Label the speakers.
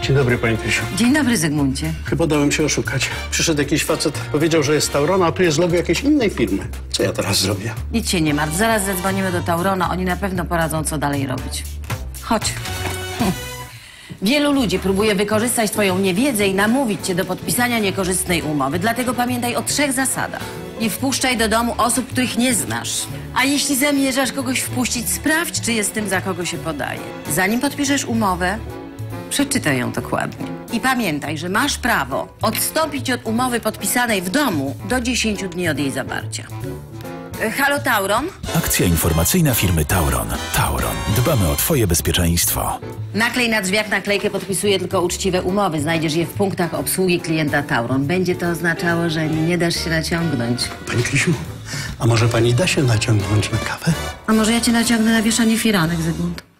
Speaker 1: Dzień dobry, pani Krysiu.
Speaker 2: Dzień dobry, Zygmuncie.
Speaker 1: Chyba dałem się oszukać. Przyszedł jakiś facet, powiedział, że jest Taurona, a tu jest logo jakiejś innej firmy. Co ja teraz zrobię?
Speaker 2: Nic się nie martw. Zaraz zadzwonimy do Taurona. Oni na pewno poradzą, co dalej robić. Chodź. Wielu ludzi próbuje wykorzystać twoją niewiedzę i namówić cię do podpisania niekorzystnej umowy. Dlatego pamiętaj o 3 zasadach. Nie wpuszczaj do domu osób, których nie znasz. A jeśli zamierzasz kogoś wpuścić, sprawdź, czy jest tym, za kogo się podaje. Zanim podpiszesz umowę, przeczytaj ją dokładnie. I pamiętaj, że masz prawo odstąpić od umowy podpisanej w domu do 10 dni od jej zawarcia. Halo, Tauron?
Speaker 3: Akcja informacyjna firmy Tauron. Tauron. Dbamy o twoje bezpieczeństwo.
Speaker 2: Naklej na drzwiach naklejkę podpisuje tylko uczciwe umowy. Znajdziesz je w punktach obsługi klienta Tauron. Będzie to oznaczało, że nie dasz się naciągnąć.
Speaker 1: Pani Krysiu, a może pani da się naciągnąć na kawę?
Speaker 2: A może ja cię naciągnę na wieszanie firanek, Zygmunt?